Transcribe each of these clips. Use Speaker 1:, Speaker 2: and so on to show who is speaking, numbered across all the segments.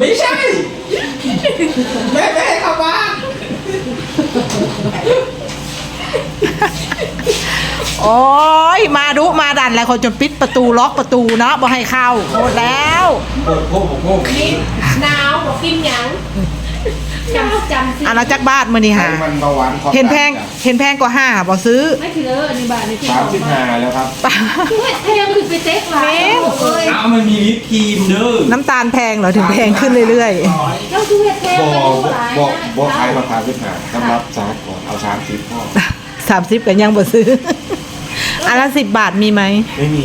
Speaker 1: ไม่ใช่แม่ให้เข้าบ้าน
Speaker 2: โอ้ยมาดุมาดันอะไรคนจนปิดประตูล็อกประตูเนาะบ่ให้เข้าหมดแล้ว
Speaker 1: โอ้โหโอ้โห
Speaker 3: หนาวบอกกินหยังจำสิ
Speaker 2: อันละจักบาทมื้อนี้หา
Speaker 1: มันเบาหวาน
Speaker 2: เห็นแพงกว่า5บ่ซื้อ
Speaker 3: ไม่คือเลยอันนี้บาทนี่คือ
Speaker 1: 35แล้วครับ
Speaker 3: คือเห็ดแพงคือไปเต๊กหลายเลย
Speaker 1: เอามันมีวิปครีมเด้อ
Speaker 2: น้ำตาลแพงเหรอถึงแพงขึ้นเรื่อย
Speaker 3: เจ้าคือเห็ดแพง
Speaker 1: บ
Speaker 3: ไป
Speaker 1: อก
Speaker 3: ดูหลาย
Speaker 1: บอกขายราคา35สำหรับจากก่อนเอา30พ่อ
Speaker 2: ๆ30ก็ยังบ่ซื้อ อันละ10 บาทมีไหม
Speaker 1: ไม่มี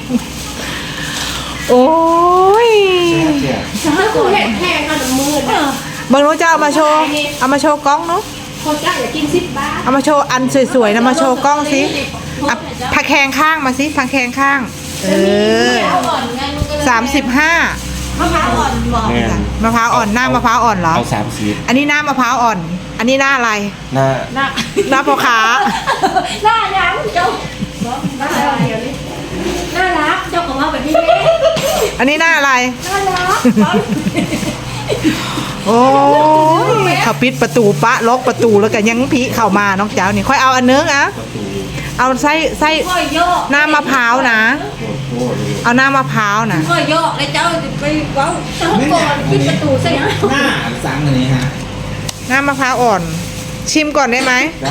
Speaker 2: โอ้ย
Speaker 1: เสีย
Speaker 3: ถ้าคือเห็ดแพงขนาดมืด
Speaker 2: เบิ่งหนูจะเอามาโชว์กล้องเนาะ
Speaker 3: คนจ้างอยากกิน10 บาท
Speaker 2: เอามาโชว์อันสวยๆนะมาโชว์กล้องสิอ่ะผักแคงข้างมาสิผักแคงข้าง
Speaker 3: ม
Speaker 2: เอ
Speaker 3: ะพร้าวอ่อนไงมันก็เลย
Speaker 2: อ35
Speaker 3: มะพร้าวอ่อนบอก
Speaker 1: แม่
Speaker 2: มะพร้าวอ่อนหน้ามะพร้าวอ่อนเหรอ
Speaker 1: เอา30
Speaker 2: อันนี้หน้ามะพร้าวอ่อน อันนี้หน้าอะไร
Speaker 1: หน้า
Speaker 3: หน้า
Speaker 2: หน้าพ่อค้า
Speaker 3: หน้ายังเจ้าหน้าอะไรเดี๋ยวนี้น่ารักเจ้าของเราแบบนี้
Speaker 2: อันนี้หน้าอะไร
Speaker 3: น่ารัก
Speaker 2: โอ้ยเขาปิดประตูปะล็อกประตูแล้วก็ยังผีเข้ามาน้องเจ้านี่ค่อยเอาอันนึงอ่ะ
Speaker 1: ประตู
Speaker 2: เอาไส้
Speaker 3: ก็โยก
Speaker 2: หน้ามะพร้าวนะ
Speaker 1: โอ้โหเลย
Speaker 2: เอาหน้ามะพร้าวนะ
Speaker 3: ก็โยกแล้วเจ้าจะไปเว้าเจ้าก่อนปิดประตูใช่ไหม
Speaker 1: หน้าสั่งอันนี้ฮะ
Speaker 2: หน้ามะพร้าวอ่อน ชิมก่อนได้ไหม
Speaker 1: ได้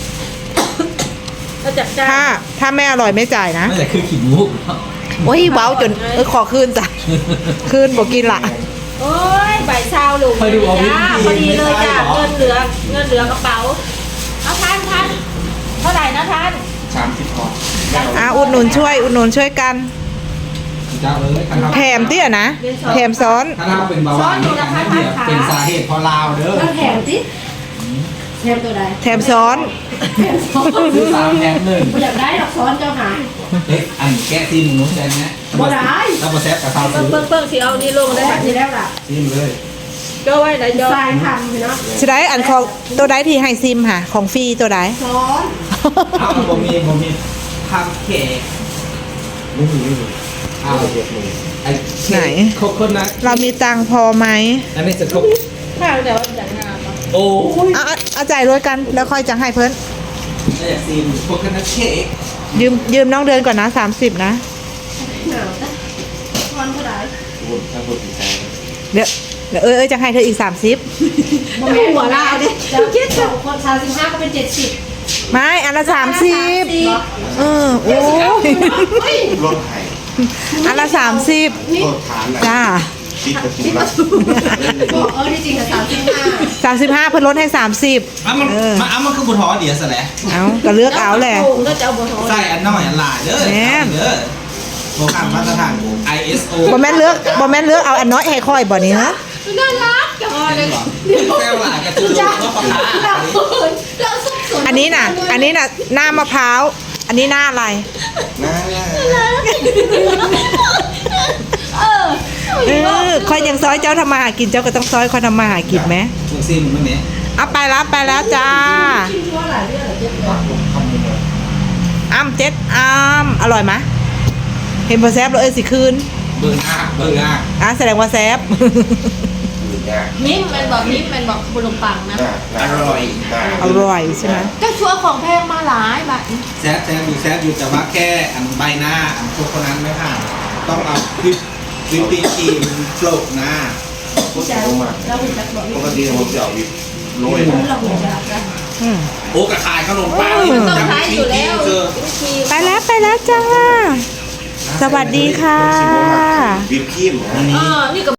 Speaker 3: เราจับจ้า
Speaker 2: ถ้าไม่อร่อยไม่จ่ายนะ
Speaker 1: นั่นแหละคือขีดมุก
Speaker 2: โอ้ยเว้าจนขอคืนจ้ะคืนบอกกินละ
Speaker 3: โอ้ยใบซาวหลุมจ้าพอดีเลยจ้าเงินเหลือกระเป๋าเอาท่านเท่าไหร่นะท่าน
Speaker 1: 30พอ
Speaker 2: อุดหนุนช่วยกัน
Speaker 1: เจ้าเอ้ย
Speaker 2: แถมเตี้ยนะแถมซ้อน
Speaker 1: ถ้าเราเป็นเบาหวานนี่นะเดี๋ยวเป็นสาเหตุเพราะลาวเด้อ
Speaker 3: แล้วแถมสิแถมตัวใด
Speaker 2: แถมซ้อน
Speaker 3: แถมซ้อน
Speaker 1: ซื้อ3แถม1
Speaker 3: อยากได้ดอกซ้อนเจ้าหา
Speaker 1: เอ๊ะอันแก้ซีมนุ้งใจไหม
Speaker 3: บ่ได้
Speaker 1: ถ้าบ่แซ่บกับข้าวซื้อ
Speaker 3: เบิ่งสิเอานี่ลงได้แบบนี้แล้วล่ะ
Speaker 1: ซีมเลย
Speaker 3: เจ้าไว้ไหนเจ้าทรายทำเนาะ
Speaker 2: จะได้อันของตัวใดที่ให้ซิมค่ะ ของฟรีตัวใด
Speaker 3: ซ้อน
Speaker 1: เอาบ่มีทำเค้กไม่มีเอาเด็ดเลยไอ้คกคนนั้น
Speaker 2: เรามีตังค์พอไหม
Speaker 1: อันนี้จะคก
Speaker 3: ข้าวแต่ว่าจัดงาน
Speaker 1: โอ้ย
Speaker 2: เอาจ่ายรวยกันแล้วค่อยจะให้เพิ่น
Speaker 1: นี่ซีมคกคนนั้นเค้ก
Speaker 2: ยืมน้องเดือนก่อนนะ30นะ
Speaker 3: หนาวนะซ้อนเท่าไหร่
Speaker 1: พูดถ้าพูดถึงใจ
Speaker 2: เดี๋ยวจะให้เธออีก30
Speaker 3: บ่แม่หัวลาวดิเจ้าคิดสองคน35ก็เป็น70
Speaker 2: ไม่อันละ30โอ้ย
Speaker 1: รถไถ
Speaker 2: อันละ30
Speaker 1: รถฐาน
Speaker 2: จ้า
Speaker 1: ปิดประตูละ
Speaker 3: บอกที่จริงอะ
Speaker 2: 35เพิ่นลดให้30
Speaker 1: มันคือบุทอเดียวซะแหละ
Speaker 2: เอาก็เลือกเอาแหละ
Speaker 3: ก็จะเอาบ่ท้อ
Speaker 1: ใส่อันน้อยอันหลายเด้อเด้อโปรแกรมมาตรฐาน ISO
Speaker 2: บ่แม่นเลือกเอาอันน้อยให้ค่อยบ่นี่ฮะ
Speaker 3: น่ารักจังเลย
Speaker 1: แก้วหลายกระตุ้นว่าปลา
Speaker 3: เราสุขสน
Speaker 2: อันนี้น่ะหน้ามะพร้าวอันนี้หน้าอะไร ค่อยยังซอยเจ้าทำมาหากินเจ้าก็ต้องซอยค่อยทำมาหากินไหม
Speaker 1: มึงซิมมึงเนี่ย
Speaker 2: เอาไปแล้วจ้าเจ็ดอร่อยไหมเห็นพอแซบแล้วสิคืน
Speaker 1: เบิ่งอ่ะ
Speaker 2: แสดงว่าแซบ
Speaker 3: มิ้มมันบอกขนมปังนะ
Speaker 1: อร่อย
Speaker 2: อร่อยใช่ไหม
Speaker 3: ก็ชัวของแพงมาหลายบาท
Speaker 1: แซ่บอยู่แต่ว่าแค่อันใบหน้าอันพวกคนนั้นไม่ผ่านต้องเอาวิปปิ้งครีมโปรกหน้า
Speaker 3: เราหุ่นจักบอก
Speaker 4: ปกติผมจะเอาวิปโรย
Speaker 3: เราหุ่นจักนะ
Speaker 1: โอ้กระขายขนมปังนี่
Speaker 3: ต้อง
Speaker 1: จำ
Speaker 3: ใช้
Speaker 1: วิ
Speaker 3: อยู่
Speaker 1: ปปิ้
Speaker 3: แล้
Speaker 1: ง
Speaker 3: ว
Speaker 1: เจอ
Speaker 2: ไปแล้วจ้า สวัสดีค่ะ
Speaker 4: วิปครีมนะ
Speaker 3: นี่ก็